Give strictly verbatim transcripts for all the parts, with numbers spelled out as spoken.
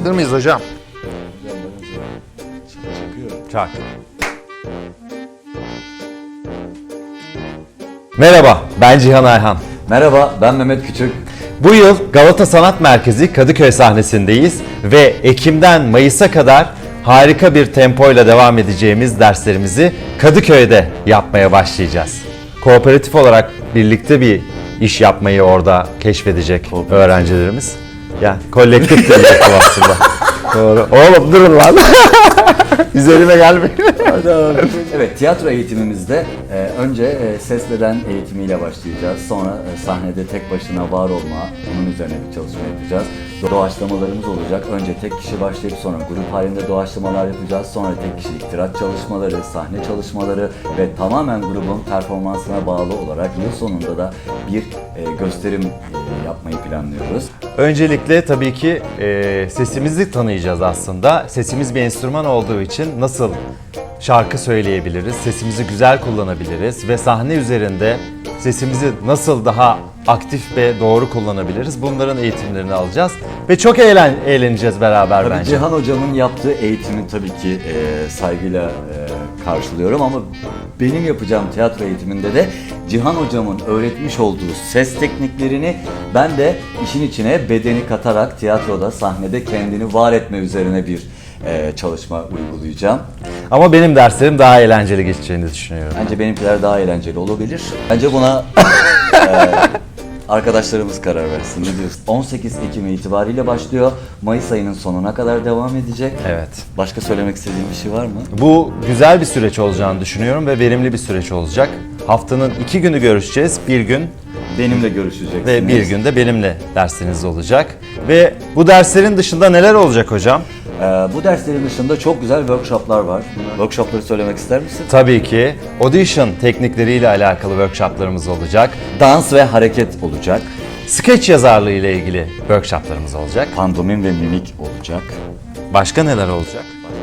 Hazır mıyız hocam? Çak. Merhaba, ben Cihan Ayhan. Merhaba, ben Mehmet Küçük. Bu yıl Galata Sanat Merkezi Kadıköy sahnesindeyiz ve Ekim'den Mayıs'a kadar harika bir tempoyla devam edeceğimiz derslerimizi Kadıköy'de yapmaya başlayacağız. Kooperatif olarak birlikte bir iş yapmayı orada keşfedecek öğrencilerimiz. Yani kolektif de yapım aslında. Doğru. Oğlum durun lan. Üzerime gelmeyin. Evet, tiyatro eğitimimizde e, önce e, ses beden eğitimiyle başlayacağız. Sonra e, sahnede tek başına var olma, bunun üzerine bir çalışma yapacağız. Doğaçlamalarımız olacak. Önce tek kişi başlayıp sonra grup halinde doğaçlamalar yapacağız. Sonra tek kişilik tirat çalışmaları, sahne çalışmaları ve tamamen grubun performansına bağlı olarak yıl sonunda da bir e, gösterim e, yapmayı planlıyoruz. Öncelikle tabii ki e, sesimizi tanıyacağız aslında. Sesimiz bir enstrüman olduğu için nasıl şarkı söyleyebiliriz, sesimizi güzel kullanabiliriz ve sahne üzerinde sesimizi nasıl daha aktif ve doğru kullanabiliriz, bunların eğitimlerini alacağız ve çok eğlen eğleneceğiz beraber Tabii bence. Cihan Hocam'ın yaptığı eğitimi tabii ki e, saygıyla e, karşılıyorum ama benim yapacağım tiyatro eğitiminde de Cihan Hocam'ın öğretmiş olduğu ses tekniklerini ben de işin içine bedeni katarak tiyatroda, sahnede kendini var etme üzerine bir e, çalışma uygulayacağım. Ama benim derslerim daha eğlenceli geçeceğini düşünüyorum. Bence benimkiler daha eğlenceli olabilir. Bence buna e, arkadaşlarımız karar versin. Ne diyorsun? on sekiz Ekim itibariyle başlıyor. Mayıs ayının sonuna kadar devam edecek. Evet. Başka söylemek istediğin bir şey var mı? Bu güzel bir süreç olacağını düşünüyorum ve verimli bir süreç olacak. Haftanın iki günü görüşeceğiz. Bir gün Benimle görüşeceksiniz. ve bir günde benimle dersiniz olacak. Ve bu derslerin dışında neler olacak hocam? Ee, bu derslerin dışında çok güzel workshoplar var. Workshopları söylemek ister misin? Tabii ki audition teknikleriyle alakalı workshoplarımız olacak. Dans ve hareket olacak. Sketch yazarlığı ile ilgili workshoplarımız olacak. Pandomim ve mimik olacak. Başka neler olacak?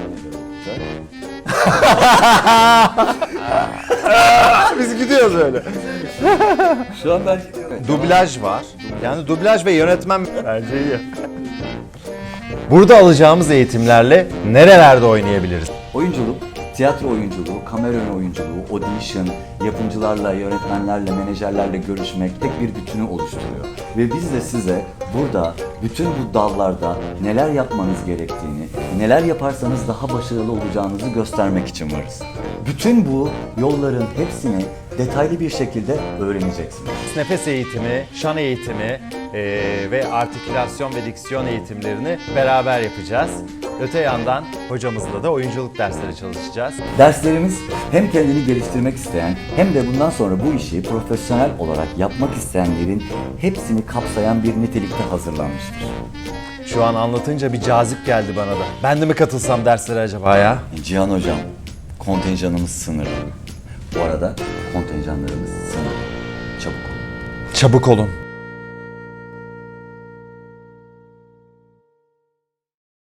Biz gidiyoruz öyle. Şu an ben gidiyorum. Dublaj var. Yani dublaj ve yönetmen bence iyi. Burada alacağımız eğitimlerle nerelerde oynayabiliriz? Oyunculuk, tiyatro oyunculuğu, kamera önü oyunculuğu, audition, yapımcılarla, yönetmenlerle, menajerlerle görüşmek tek bir bütünü oluşturuyor. Ve biz de size burada bütün bu dallarda neler yapmanız gerektiğini, neler yaparsanız daha başarılı olacağınızı göstermek için varız. Bütün bu yolların hepsini detaylı bir şekilde öğreneceksiniz. Nefes eğitimi, şan eğitimi eee, ve artikülasyon ve diksiyon eğitimlerini beraber yapacağız. Öte yandan hocamızla da oyunculuk dersleri çalışacağız. Derslerimiz hem kendini geliştirmek isteyen hem de bundan sonra bu işi profesyonel olarak yapmak isteyenlerin hepsini kapsayan bir nitelikte hazırlanmıştır. Şu an anlatınca bir cazip geldi bana da. Ben de mi katılsam derslere acaba ya? Cihan Hocam, kontenjanımız sınırlı. Bu arada kontenjanlarımız sınırlı. Çabuk olun. Çabuk olun.